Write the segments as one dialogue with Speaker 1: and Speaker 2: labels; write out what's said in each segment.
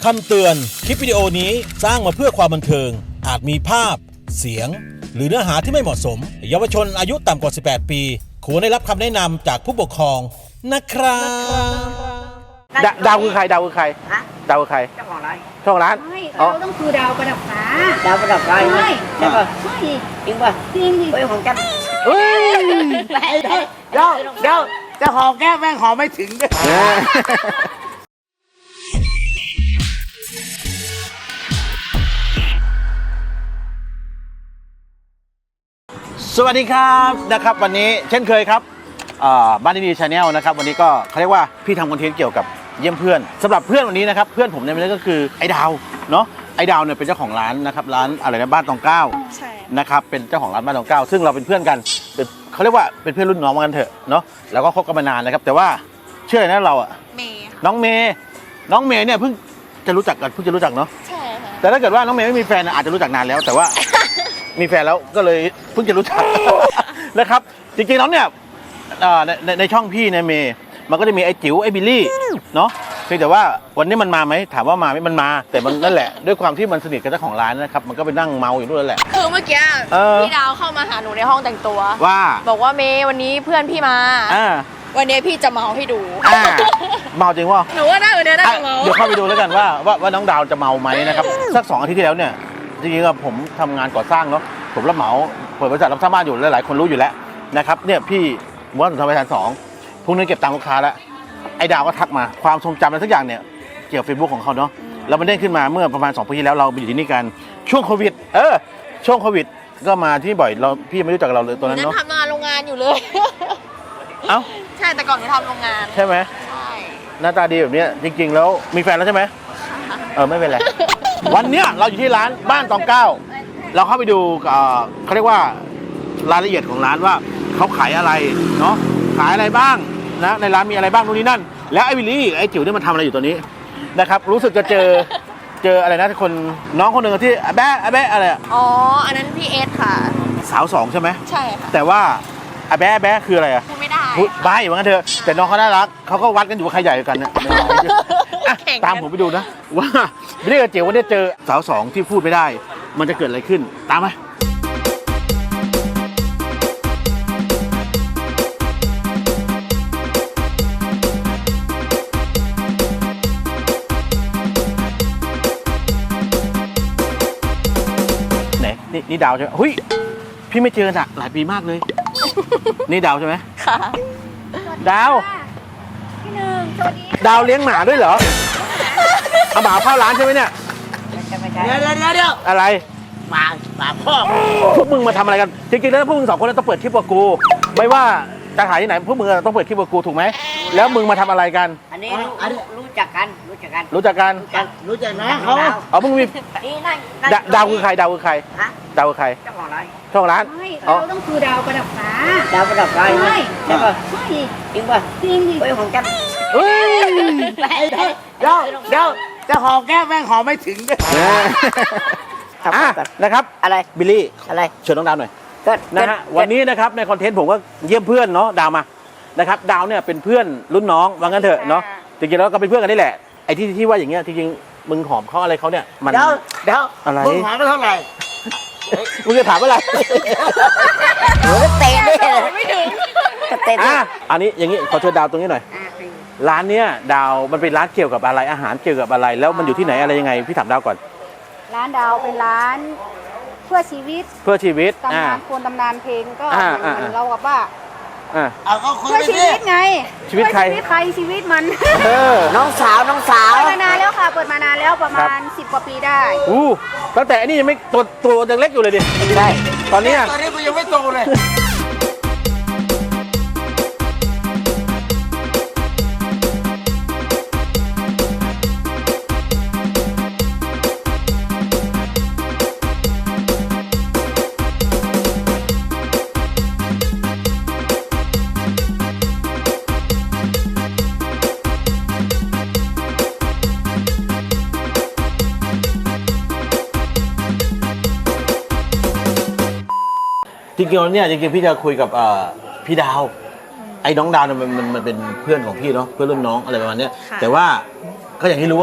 Speaker 1: คำเตือนคลิปวิดีโอนี้สร้างมาเพื่อความบันเทิงอาจมีภาพเสียงหรือเนื้อหาที่ไม่เหมาะสมเยาวชนอายุต่ำกว่า 18 ปีควรได้รับคำแนะนำจากผู้ปกครองนะครับ
Speaker 2: ดาวคือใครดาวคือใคร
Speaker 3: ฮะ
Speaker 2: ดาวคือใคร
Speaker 3: เจ้าของร้าน
Speaker 2: เจ้าของร้าน
Speaker 4: ไม่เราต้องคือดาวประดับฟ้า
Speaker 3: ดาวประดับไฟ
Speaker 4: ใช่
Speaker 3: ใช่ป่ะ
Speaker 4: ใช่
Speaker 3: จริงป่ะ
Speaker 4: จริงดิ
Speaker 3: เฮ้ยของแก๊ป
Speaker 2: เฮ้ย
Speaker 3: เดี๋ยวจะหอมแก้มแม่งหอมไม่ถึงด้วย
Speaker 2: สวัสดีครับนะครับวันนี้เช่นเคยครับบ้านดีชาแนลนะครับวันนี้ก็เขาเรียกว่าพี่ทำคอนเทนต์เกี่ยวกับเยี่ยมเพื่อนสำหรับเพื่อนวันนี้นะครับเพื่อนผมเนี่ยก็คือไอ้ดาวเนาะไอ้ดาวเนี่ยเป็นเจ้าของร้านนะครับร้านอะไรนะบ้านตองเก้า
Speaker 4: ใช่
Speaker 2: นะครับเป็นเจ้าของร้านบ้านตองเก้าซึ่งเราเป็นเพื่อนกันเขาเรียกว่าเป็นเพื่อนรุ่นน้องกันเถอะเนาะแล้วก็คบกันมานานนะครับแต่ว่าเชื่ออะไรนะเราอะ
Speaker 4: เมย์
Speaker 2: น้องเมย์เนี่ยเพิ่งจะรู้จักเนาะ
Speaker 4: ใช่ค่ะ
Speaker 2: แต่ถ้าเกิดว่าน้องเมย์ไม่มีแฟนอาจจะรู้จักนานแล้วแต่ว่า มีแฟนแล้วก็เลยเพิ่งจะรู้จัก นะครับจริงๆแล้วเนี่ยในช่องพี่เนี่ยเมย์มันก็จะมีไอ้จิ๋วไอ้บิลลี่เนาะเพียงแต่ว่าวันนี้มันมาไหมถามว่ามาไหมมันมาแต่มันนั่นแหละด้วยความที่มันสนิทกับเจ้าของร้านนะครับมันก็ไปนั่งเมาอยู่ด้วยแหละ
Speaker 5: คือเมื่อกี้ พี่ดาวเข้ามาหาหนูในห้องแต่งตัว
Speaker 2: ว่า
Speaker 5: บอกว่าเมย์วันนี้เพื่อนพี่มา วันนี้พี่จะเมาให้ดู
Speaker 2: เมาจริงวะ
Speaker 5: หนูว่าน่าน่าจะเมา
Speaker 2: เดี๋ยวเข้าไปดูแล้วกันว่าน้องดาวจะเมาไหมนะครับสัก2 อาทิตย์ที่แล้วเนี่ยจริงๆผมทำงานก่อสร้างเนาะผมรับเหมาเปิดบริษัทรับสร้างบ้านอยู่หลายๆคนรู้อยู่แล้วนะครับเนี่ยพี่ม้วนสุนทรประธาน2พรุ่งนี้เก็บตังค์ลูกค้าแล้วไอ้ดาวก็ทักมาความทรงจำอะไรสักอย่างเนี่ยเกี่ยวกับ Facebook ของเขาเนาะแล้วมันเด้งขึ้นมาเมื่อประมาณ2 ปีที่แล้วเราไปอยู่ที่นี่กันช่วงโควิดช่วงโควิดก็มาที่นี่บ่อยพี่ไม่รู้จักเราเลยตัวนั้น
Speaker 5: นั่น
Speaker 2: เนาะ
Speaker 5: ทำงานโรงงานอยู่เลย
Speaker 2: เอ้า
Speaker 5: ใช่แต่ก่อนหนูทำโรงงาน
Speaker 2: ใช่ไหม
Speaker 5: ใช่
Speaker 2: หน้าตาดีแบบนี้จริงๆแล้วมีแฟนแล้วใช่ไหมไม่เป็นไร วันเนี้ยเราอยู่ที่ร้านบ้านตองเก้าเราเข้าไปดูเขาเรียกว่ารายละเอียดของร้านว่าเขาขายอะไรเนาะขายอะไรบ้างนะในร้านมีอะไรบ้างนู่นนี่นั่นแล้วไอ้วิลลี่ไอ้จิ๋วนี่มันทำอะไรอยู่ตัวนี้นะครับรู้สึกจะเจออะไรนะคนน้องคนหนึ่งที่แบ๊ะอะไรอะ
Speaker 5: อ๋ออันนั้นพี่เอสค่ะ
Speaker 2: สาว2ใช่ไหม
Speaker 5: ใช่ค่ะ
Speaker 2: แต่ว่าแบ๊ะคืออะไรอะ
Speaker 5: พูดไม่ได้
Speaker 2: พูดใบ้เหมือนกันเถอะแต่น้องเขาน่ารักเขาก็วัดกันอยู่ว่าใครใหญ่กว่ากันเนี่ย อ่ะ
Speaker 5: แข่งกัน
Speaker 2: ตามผมไปดูนะว่าวิลลี่กับเจ๋ววันนี้เจอสาว2ที่พูดไม่ได้ มันจะเกิดอะไรขึ้นตามมาไหนนี่ดาวใช่ไหมเฮ้ยพี่ไม่เจอน่ะหลายปีมากเลย นี่ดาวใช่ไหม
Speaker 5: ค่ะ
Speaker 2: ดาว
Speaker 4: พี่หนึ่งสวัสดี
Speaker 2: ดาวเลี้ยงหมาด้วยเหรอเอาหมาเข้าร้านใช่ไหมเนี่ย
Speaker 3: เดี๋ยว
Speaker 2: อะไร
Speaker 3: หมาพ่อ
Speaker 2: พวกมึงมาทำอะไรกันจริงๆแล้วพวกมึง2 คนต้องเปิดคลิปกับกูไม่ว่าจะถ่ายที่ไหนพวกมึงต้องเปิดคลิปกับกูถูกไหมแล้วมึงมาทำอะไรกัน
Speaker 3: อันนี้รู้จักกัน
Speaker 2: รู้จักกัน
Speaker 3: รู้จักนะเขา
Speaker 2: อ๋อมึงมี
Speaker 3: นี่นั่ง
Speaker 2: ดาวคือใครดาวคือใคร
Speaker 3: ฮะ
Speaker 2: ดาวคือใคร
Speaker 3: เจ้าของร้าน
Speaker 2: ช่องร้าน
Speaker 4: ไม่
Speaker 2: อ๋อ
Speaker 4: เราต้องคือดาวประดับฟ้า
Speaker 3: ดาวประดับไฟ
Speaker 4: ใช่
Speaker 3: ใช่ป่ะ
Speaker 4: ใช่
Speaker 3: จริงป่ะ
Speaker 4: จริงดิ
Speaker 3: เฮ้ยของแก๊ป
Speaker 2: เฮ้ย
Speaker 3: เดี๋ยวจะหอมแก้มแม่งหอมไม่ถึงด้วย
Speaker 2: นะครับ
Speaker 3: อะไร
Speaker 2: บิลลี่
Speaker 3: อะไร
Speaker 2: เชิญน้องดาวหน่อย
Speaker 3: ก็
Speaker 2: นะฮะวันนี้นะครับในคอนเทนต์ผมก็เยี่ยมเพื่อนเนาะดาวมานะครับดาวเนี่ยเป็นเพื่อนรุ่นน้องว่างั้นเถอะเนาะจริงๆแล้วก็เป็นเพื่อนกันนี่แหละไอ้ที่ว่าอย่างเงี้ยจริงๆมึงหอมเขาอะไรเขาเนี่ยมัน
Speaker 3: เดี๋ยว
Speaker 2: อะไร
Speaker 3: มึงหอมไปเท่าไหร่
Speaker 2: มึงจะถามอะไร
Speaker 3: โอ้เตะได้เลย
Speaker 5: ไม่ถึง
Speaker 3: เตะได้
Speaker 2: อันนี้อย่างนี้ขอเชิญดาวตรงนี้หน่อยร้านเนี้ยดาวมันเป็นร้านเกี่ยวกับอะไรอาหารเกี่ยวกับอะไร แล้วมันอยู่ที่ไหนอะไรยังไงพี่ถามดาวก่อน
Speaker 4: ร้านดาวเป็นร้านเพื่อชีวิต
Speaker 2: เพื่อชีวิต
Speaker 4: ตำนานควรตำนานเพลงก็
Speaker 2: อ่า
Speaker 4: เหมือนเรากับว่า
Speaker 3: เอาเขาคุย
Speaker 4: เพื่อ
Speaker 3: ไป
Speaker 4: ชี
Speaker 3: ดิ
Speaker 4: วิตไง
Speaker 2: ชีวิตใคร
Speaker 4: เพื่อชีวิตใครชีวิตมัน
Speaker 2: เออ
Speaker 3: น้องสาว
Speaker 4: เปิดมานานแล้วค่ะ เปิดมานานแล้วประมาณ 10 กว่าปีได้
Speaker 2: อู้ตั้งแต่อันนี้ยังไม่ตัวยังเล็กอยู่เลยดิ
Speaker 3: ใช่
Speaker 2: ตอนเนี้ย
Speaker 3: ตอนนี้กูยังไม่โตเลย
Speaker 2: จริงๆแล้วเนี่ยจริงๆพี่จะคุยกับพี่ดาวไอ้น้องดาวเนี่ยมันเป็นเพื่อนของพี่เนาะเพื่อนรุ่นน้องอะไรประมาณเนี้ยแต่ว่าก็อย่างที่รู้อะ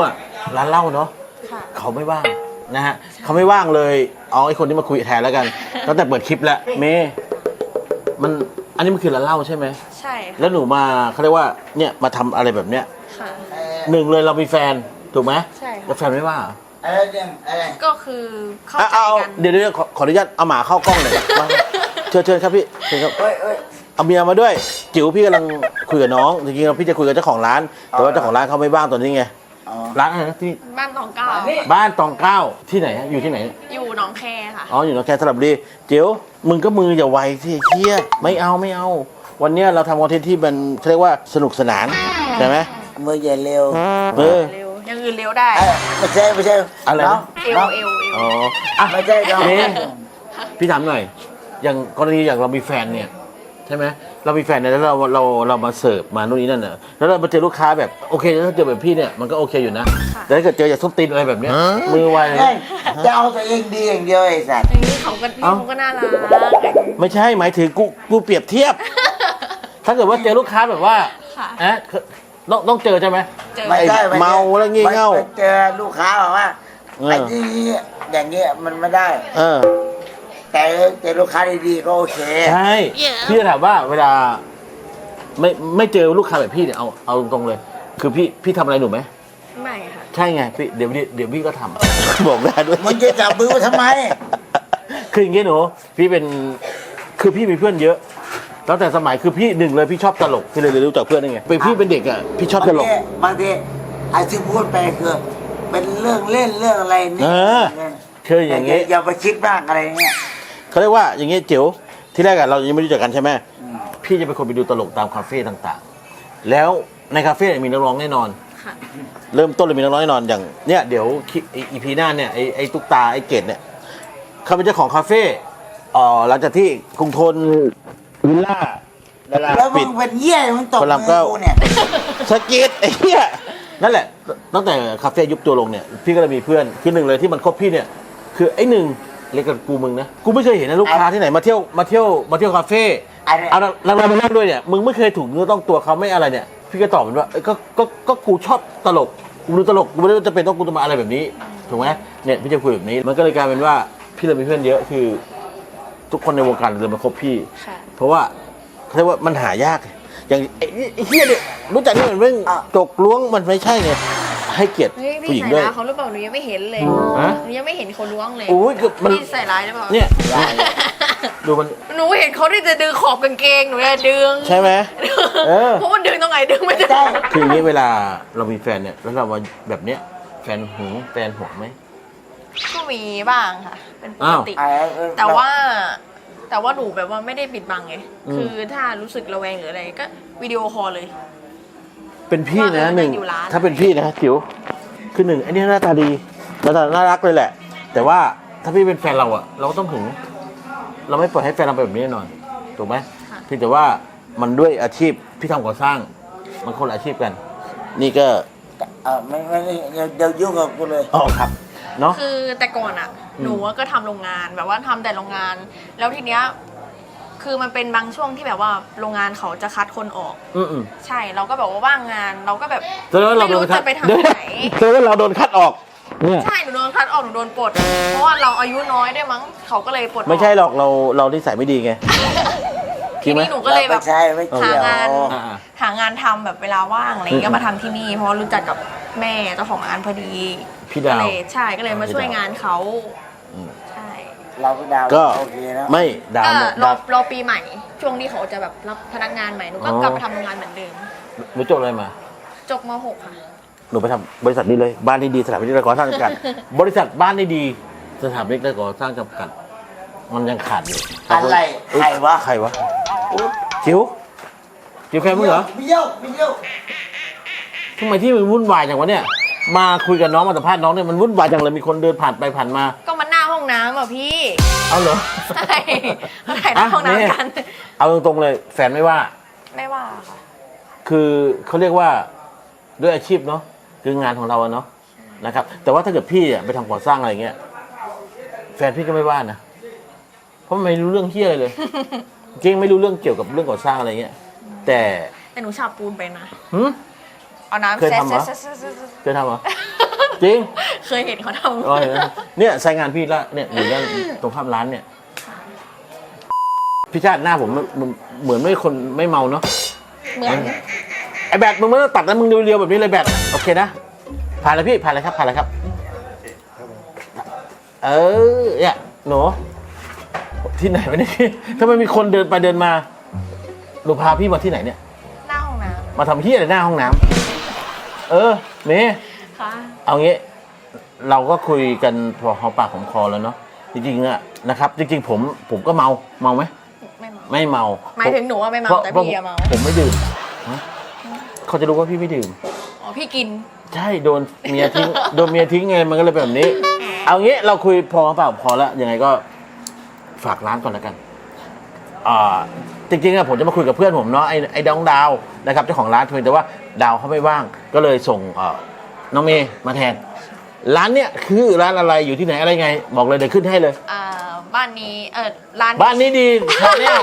Speaker 2: ร้านเหล้าเนาะ
Speaker 5: ค่ะ
Speaker 2: เขาไม่ว่างนะฮะเขาไม่ว่างเลยเอาไอ้คนที่มาคุยแทนแล้วกันตั้งแต่เปิดคลิปแล้วเมย์มันอันนี้มันคือร้านเหล้าใช่ไหม
Speaker 5: ใช่ค่ะ
Speaker 2: แล้วหนูมาเขาเรียกว่าเนี่ยมาทำอะไรแบบเนี้ย
Speaker 5: ค่ะ
Speaker 2: หนึ่งเลยเรามีแฟนถูกไหม
Speaker 5: ใช่ค่ะ
Speaker 2: แล้วแฟนไม่ว่าเหรอ
Speaker 3: อะไรเนี่ยอะไร
Speaker 5: ก็คือเข้า
Speaker 2: อ่ะ
Speaker 5: ใจ
Speaker 2: เอา
Speaker 5: กัน
Speaker 2: เดี๋ยวขออนุญาตเอาหมาเข้ากล้องหน่อยมาเชิญครับพี่เชิญครับ
Speaker 3: เฮ้ยเฮ้ย
Speaker 2: เอาเมียมาด้วยจิ๋วพี่กำลังคุยกับน้องจริงๆพี่จะคุยกับเจ้าของร้าน แต่ว่าเจ้าของร้านเขาไม่ว่างตอนนี้ไง
Speaker 3: อ๋อ
Speaker 2: ร้านอะไรนะที่
Speaker 5: บ้านตองเก้า
Speaker 2: บ้านตองเก้าที่ไหนฮะอยู่ที่ไหน
Speaker 5: อยู่หนองแคค่ะ
Speaker 2: อ๋ออยู่หนองแคสระบุรีจิ๋วมึงก็มืออย่าไวสิเคี้ยไม่เอา วันเนี้ยเราทำคอนเทนต์ที่มันเขาเรียกว่าสนุกสนานใช่ไหม
Speaker 3: มืออย่าเร็ว
Speaker 2: เออ
Speaker 5: เร็วอยังอื่นเร็วได้
Speaker 3: ไม่ใช่
Speaker 2: อะไรนะ
Speaker 3: น้อง
Speaker 5: เอว
Speaker 3: น้อง
Speaker 5: เอวเอว
Speaker 2: อ๋ออ่ะ
Speaker 3: ไม่ใช่น้อง
Speaker 2: นี่พี่ถามหน่อย อย่างกรณีอย่างเรามีแฟนเนี่ยใช่ไหมเรามีแฟนเนี่ยแล้วเรามาเสิร์ฟมาโน่นนี่นั่นน่ะแล้วเรามาเจอลูกค้าแบบโอเคถ้าเจอแบบพี่เนี่ยมันก็โอเคอยู่นะ แต่ถ้าเกิดเจออย่างส้มตีนอะไรแบบเนี้ยมือไว
Speaker 3: เฮ้ยจะเอาตัวเองดีอย่างเดียวไอ้สัตว์
Speaker 5: อย่างนี้เขาก็น่ารัก
Speaker 2: ไม่ใช่หมายถึงกูเปรียบเทียบ ถ้าเกิดว่าเจอลูกค้าแบบว่า
Speaker 5: ค่ะ
Speaker 2: ต้องเจอใช่ไหม
Speaker 5: เจอ
Speaker 3: ไม่ใช่
Speaker 2: เมาแล้วงี่เง่า
Speaker 3: ไปเจอลูกค้าบอกว่า
Speaker 2: เออ
Speaker 3: ไอ้ที่อย่างเงี้ยมันไม่ได้
Speaker 2: เออ
Speaker 3: แต่เจอลูกค้าดีๆก็โอเค
Speaker 2: ใช่พี่จะถามว่าเวลาไม่เจอลูกค้าแบบพี่เนี่ยเอาตรงๆเลย คือพี่ทำอะไรหนูไหม
Speaker 5: ไม่ค่ะ
Speaker 2: ใช่ไงพี่เดี๋ยวพี่ก็ทำ บอกได้ด้วย
Speaker 3: มึงจะจับมือมาทำไม
Speaker 2: คืออย่างงี้หนูพี่เป็นคือพี่มีเพื่อนเยอะตั้งแต่สมัยคือพี่หนึ่งเลยพี่ชอบตลกพี่เลยรู้จักเพื่อนได้ไงเป็นพี่เป็นเด็กอ่ะพี่ชอบตลก
Speaker 3: บางทีไอ้ที่พูดไปคือเป็นเรื่องเล่นเรื่องอะไรนี่
Speaker 2: เออ คืออย่างงี้
Speaker 3: อย่าไปคิดมากอะไรเงี้ย
Speaker 2: เขาเรียกว่าอย่างงี้เจ๋วที่แรกอะเรายังไม่รู้จักกันใช่ไหมพี่จะเป็นคนไปดูตลกตามคาเฟ่ต่างๆ แล้วในคาเฟ่มีนักร้องแน่นอน
Speaker 5: ค่ะ
Speaker 2: เริ่มต้นเลยมีนักร้องแน่นอนอย่างเนี่ยเดี๋ยวอีพีหน้าเนี่ยไอ้ตุ๊กตาไอ้เกดเนี่ยเขาเป็นเจ้าของคาเฟ่หลังจากที่กรุงทนวิลล่าดารา
Speaker 3: แล้วมึ
Speaker 2: ปิด
Speaker 3: งเป็นเหี้ยมึงตก
Speaker 2: พระราม
Speaker 3: มื
Speaker 2: เก้า
Speaker 3: อกูเนี่ย
Speaker 2: สะกิดไอ้เหี้ยนั่นแหละตั้งแต่คาเฟ่ยุบตัวลงเนี่ยพี่ก็เลยมีเพื่อนคือหนึ่งเลยที่มันคบพี่เนี่ยคือไอ้หนึ่งเรียกกันกูมึงนะกูไม่เคยเห็นนะลูกค้าที่ไหนมาเที่ยวคาเฟ่เอาเรามานั่งด้วยเนี่ยมึงไม่เคยถูกเนื้อต้องตัวเขาไม่อะไรเนี่ยพี่ก็ตอบมันว่าก็กูชอบตลกกูดูตลกกูไม่ได้จะเป็นต้องกูจะมาอะไรแบบนี้ถูกไหมเนี่ยพี่จะคุยแบบนี้มันก็เลยกลายเป็นว่าพี่เลยมีเพื่อนเยอะคือ ทุกคนในวงการเลยมาคบพี่
Speaker 5: ค่ะ
Speaker 2: เพราะว่าเขาเรียกว่ามันหายาก อย่างไอ้เฮียเนี่ยรู้จักนี่มันเรื่องจกล้วงมันไม่ใช่ไงให้เกียรติ
Speaker 5: เฮ้ย
Speaker 2: ผู้ห
Speaker 5: พี่
Speaker 2: ญิง
Speaker 5: ใส่
Speaker 2: ด้วย
Speaker 5: ร้ายเขาหรือเปล่าหนูยังไม่เห็นเลย
Speaker 2: ฮะ
Speaker 5: หนูยังไม่เห็นเขาล้วงเลย
Speaker 2: โอ้ยคือมัน
Speaker 5: พี่ใส่ร้ายหรือเปล่า
Speaker 2: เนี่ยดูมัน
Speaker 5: หนูเห็นเขาที่จะดึงขอบกางเกงหนูเลยดึง
Speaker 2: ใช่ไหมเออ
Speaker 5: เพราะมันดึงตรงไหนดึงไม่ได้
Speaker 3: ใช่
Speaker 2: คืออย่างนี้เวลาเรามีแฟนเนี่ยแล้วเรามาแบบเนี้ยแฟนหึงแฟนห่วงไหม
Speaker 5: ก็มีบ้างค่ะ เป็นปกติ
Speaker 3: อ้าว
Speaker 5: แต่ว่าหนูแบบว่าไม่ได้ปิดบังไง คือถ้ารู้สึกระแวงหรืออะไรก็วิดีโอคอลเลย
Speaker 2: เป็นพี่นะ
Speaker 5: ว่า
Speaker 2: หนึ่ง
Speaker 5: อยู่ร้าน
Speaker 2: ถ้าเป็นพี่นะจิ๋วคือหนึ่งไอ้นี่หน้าตาดีหน้าตาน่ารักเลยแหละ แต่ว่าถ้าพี่เป็นแฟนเราอะเราก็ต้องหึงเราไม่ปล่อยให้แฟนเราเป็นแบบนี้แน่นอนถูกไหมเพียงแต่ว่ามันด้วยอาชีพพี่ทำก่อสร้างมันคนละอาชีพกัน นี่ก็
Speaker 3: ไม่เดี๋ยวยุ่งกับกูเลย
Speaker 2: อ๋อครับเนาะ
Speaker 5: คือแต่ก่อนอะหนูก็ทำโรงงานแบบว่าทำแต่โรงงาน แล้วทีเนี้ยคือมันเป็นบางช่วงที่แบบว่าโรงงานเขาจะคัดคนออก
Speaker 2: อืม
Speaker 5: ใช่เราก็แบบว่าว่างงานเราก็แบบ
Speaker 2: แล้วเรา
Speaker 5: ไม่
Speaker 2: โด
Speaker 5: รู้
Speaker 2: นคัด
Speaker 5: จะไปทำที่ไหน
Speaker 2: แล้วเราโดนคัดออกเนี่ย
Speaker 5: ใช่หนูโดนคัดออกหนูโดนปลดเพราะว่าเราอายุน้อยได้วยมั้งเขาก็เลยปลดออก
Speaker 2: ไม่ใช่หรอกเรานิสัยไม่ดีไง
Speaker 5: ทีนี้หนูก็เลยแบบ
Speaker 3: ไม่ใช่ไม่เกี่ยว
Speaker 5: หางานทำแบบเวลาว่างอะไรอย่างเงี้ยก็มาทำที่นี่เพราะว่ารู้จักกับแม่เจ้าของร้านพอดี
Speaker 2: พี่ดาว
Speaker 5: ก็เลยใช่ก็เลยมาช่วยงานเขา
Speaker 2: อืม
Speaker 5: ใช่
Speaker 3: เราก็ดาว
Speaker 2: ก็
Speaker 3: โอเคแล้ว
Speaker 2: ไม่ดาว
Speaker 5: ก็
Speaker 2: เนี่ย
Speaker 5: รอ
Speaker 2: ดาว
Speaker 5: รอปีใหม่ ช่วงที่เขาจะแบบรับพนักงานใหม่หนูก็
Speaker 2: อ๋อ
Speaker 5: กลับมาทำงานเหมือนเดิม
Speaker 2: หนูจบอะไรมา
Speaker 5: จบม .6 ค่ะ
Speaker 2: หนูไปทำบริษัทนี้เลยบ้านนี้ดีสถาปนิกและก่อสร้างจำกัด บริษัทบ้านนี้ดีสถาปนิกและก่อสร้างจำกัด มันยังขาดอยู่
Speaker 3: อะไรใครวะ
Speaker 2: ใครวะจิ๋วแฟนมึงเหรอ
Speaker 3: ไม่เยี่ยวไม่เยี่ยว
Speaker 2: ทำไมที่มึงวุ่นวายจังวะเนี่ยมาคุยกับน้องมาสัมภาษณ์น้องเนี่ยมันวุ่นวายจังเลยมีคนเดินผ่านไปผ่านมา
Speaker 5: ก็มันหน้าห้องน้ำอ่ะพี่
Speaker 2: เอาเหรอ
Speaker 5: ใช่เขาถ่ายหน้าห้องน้ำกัน
Speaker 2: เอาตรงๆเลยแฟนไม่ว่า
Speaker 5: ไม่ว่าค่ะ
Speaker 2: คือเขาเรียกว่าด้วยอาชีพเนาะคืองานของเราอะเนาะนะครับ แต่ว่าถ้าเกิดพี่อะไปทำก่อสร้างอะไรเงี้ยแฟนพี่ก็ไม่ว่านะเพราะมันไม่รู้เรื่องเฮี้ยอะไรเลย จริงไม่รู้เรื่องเกี่ยวกับเรื่องก่อสร้างอะไรเงี้ยแต่
Speaker 5: แต่หนูฉาบปูนไปนะ
Speaker 2: หึ
Speaker 5: เอาน้ำ
Speaker 2: เคยทำเหรอ
Speaker 5: แซะ
Speaker 2: เคยทำเหรอจริง
Speaker 5: เคยเห็นเขาท
Speaker 2: อ๋อเห็นไหมเนี่ยใช้งานพี่ละเนี่ยอยู่ด้านตรงข้ามร้านเนี่ยพี่ชาติหน้าผมเหมือนไม่คนไม่เมาเนาะ
Speaker 5: ำเหมือน
Speaker 2: ไอแบตมึงไม่ต้องตัดนะมึงเรียวๆแบบนี้เลยแบตโอเคนะผ่านเลยพี่ผ่านเลยครับผ่านเลยครับเนี่ยหนูที่ไหนวะเนี่ยพี่ทำไมมีคนเดินไปเดินมาหนูพาพี่มาที่ไหนเนี่ย
Speaker 5: หน้าห้องน้
Speaker 2: มาทำที่อะไรหน้าห้องน้ำเมย์
Speaker 5: ำค่ะ
Speaker 2: เอางี้เราก็คุยกันพอหอมปากหอมคอแล้วเนาะจริงๆอะนะครับจริงๆผมก็เมาไหม
Speaker 5: ไม่เมา
Speaker 2: ไม่เมา
Speaker 5: หมายถึงหนูว่าไม่เมา
Speaker 2: พระ
Speaker 5: แต่
Speaker 2: พระ
Speaker 5: พี่อะเมา
Speaker 2: ผมไม่ดื่มฮะเขาจะรู้ว่าพี่ไม่ดื่ม
Speaker 5: อ๋อพี่กิน
Speaker 2: ใช่โดนเมียทิ้ง โดนเมียทิ้งไงมันก็เลยเป็นแบบนี้ เอางี้เราคุยพอเปล่าพอแล้วยังไงก็ฝากร้านก่อนแล้วกันจริงๆอะผมจะมาคุยกับเพื่อนผมเนาะไอ้ดาวดาวนะครับเจ้าของร้านเพียงแต่ว่าดาวเขาไม่ว่างก็เลยส่งน้องเมย์มาแทน ร้านเนี้ยคือร้านอะไรอยู่ที่ไหนอะไรไง บอกเลยเดี๋ยวขึ้นให้เลย
Speaker 5: บ้านนี้ร้าน
Speaker 2: บ้านนี้ดีชาแนล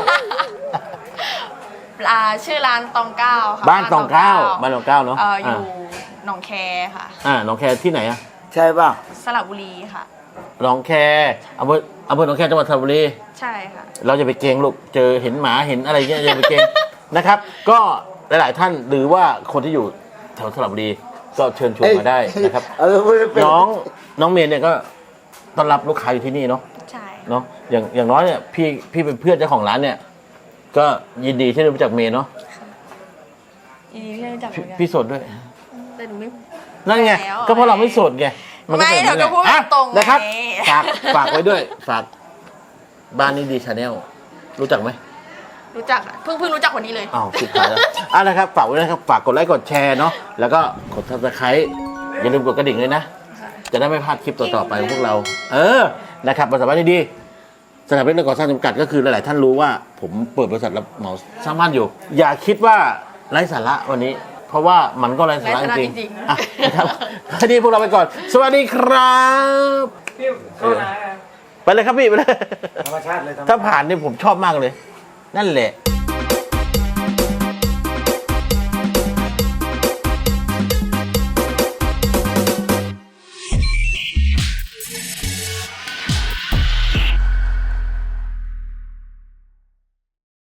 Speaker 5: ชื่อร้านตองเก้าค่ะ
Speaker 2: บ้านตองเก้าบ้านตองเก้าเนาะ
Speaker 5: อยู่หนองแคค่ะ
Speaker 2: น้องแคที่ไหนอะ
Speaker 3: ใช่ป่ะ
Speaker 5: สระบุรีค่ะ
Speaker 2: หนองแคอำเภอหนองแคจังหวัดสระบุรี
Speaker 5: ใช่ค่ะ
Speaker 2: เราจะไปเกรงลูกเจอเห็นหมาเห็นอะไรเงี้ยอย่าไปเกรง นะครับ ก็หลายๆท่านหรือว่าคนที่อยู่แถวสระบุรีก็เชิญชวนมาได้นะครับ น้องเมย์เนี่ยก็ต้อนรับลูกค้าอยู่ที่นี่เนาะ
Speaker 5: ใช่
Speaker 2: เนาะอย่างน้อยเนี่ยพี่เป็นเพื่อนเจ้าของร้านเนี่ย ก็ยินดีที่ได้รู้จักเมย์เนาะ
Speaker 5: ยินดีที่ได้รู้จักเหมือนกัน
Speaker 2: พี่โสดด้วย
Speaker 5: แต่หนูไม่
Speaker 2: นั่นไง
Speaker 5: แล้ว
Speaker 2: ก็เพราะเราไม่โสดไงนก็
Speaker 5: ไม่
Speaker 2: ป็นแบบนี้
Speaker 5: เราก็พูด
Speaker 2: แหละ
Speaker 5: ตรงๆไง
Speaker 2: นะครับฝากไว้ด้วยฝากบ้านนี้ดีชาแนลรู้จักไหม
Speaker 5: รู้จักอะเพิ่งรู้จักวันนี้เลย
Speaker 2: อ้าวสุดท้ายแล้วนะครับฝากไว้นะครับฝากกดไลค์กดแชร์เนาะแล้วก็กด Subscribe อย่าลืมกดกระดิ่งเลยนะ จะได้ไม่พลาดคลิปต่อๆไปของพวกเรา นะครับบริษัทบ้านดีๆสถาบันก่อสร้างจำกัดก็คือหลายๆท่านรู้ว่าผมเปิดบริษัทรับเหมาสร้างบ้านอยู่ อย่าคิดว่าไร้สาระวันนี้ เพราะว่ามันก็ไร้สาระ
Speaker 5: ไร้สาระ
Speaker 2: จริง
Speaker 5: จริงๆ
Speaker 2: ๆนะครับวันนี้พวกเราไปก่อน สวัสดีครับไปเลยครับพี่ไปเลย
Speaker 3: ธรรมชาติเลย
Speaker 2: ถ้าผ่านนี่ผมชอบมากเลย นั่นแหละ